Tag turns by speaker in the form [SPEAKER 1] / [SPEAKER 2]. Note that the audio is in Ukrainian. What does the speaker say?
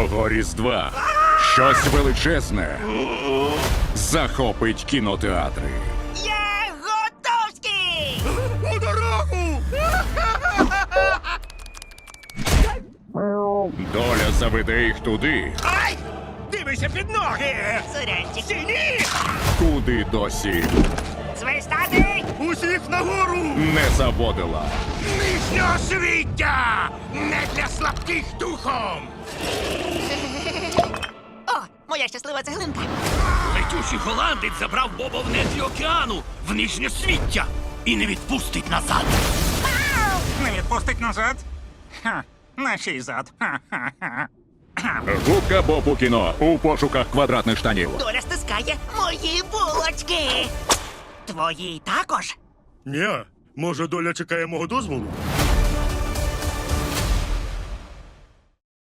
[SPEAKER 1] Цього Різдва щось величезне захопить кінотеатри.
[SPEAKER 2] Я готовський!
[SPEAKER 3] У дорогу!
[SPEAKER 1] Доля заведе їх туди,
[SPEAKER 3] Ай! Дивися під ноги!
[SPEAKER 2] Сурянчик.
[SPEAKER 3] Стіні!
[SPEAKER 1] куди досі
[SPEAKER 2] Свистати!
[SPEAKER 3] Усіх нагору!
[SPEAKER 1] не заводила.
[SPEAKER 3] Нижнього свіття! Не для слабких духом!
[SPEAKER 2] О, моя щаслива цеглинка.
[SPEAKER 4] Летючий голландець забрав Боба в нетрі океану, в нижнє свіття, і не відпустить назад.
[SPEAKER 5] Не відпустить назад? Ха, на чий зад? Ха-ха-ха.
[SPEAKER 1] Губка Боб у кіно у пошуках квадратних штанів.
[SPEAKER 2] Доля стискає мої булочки. Твої також?
[SPEAKER 3] Ні, може доля чекає мого дозволу?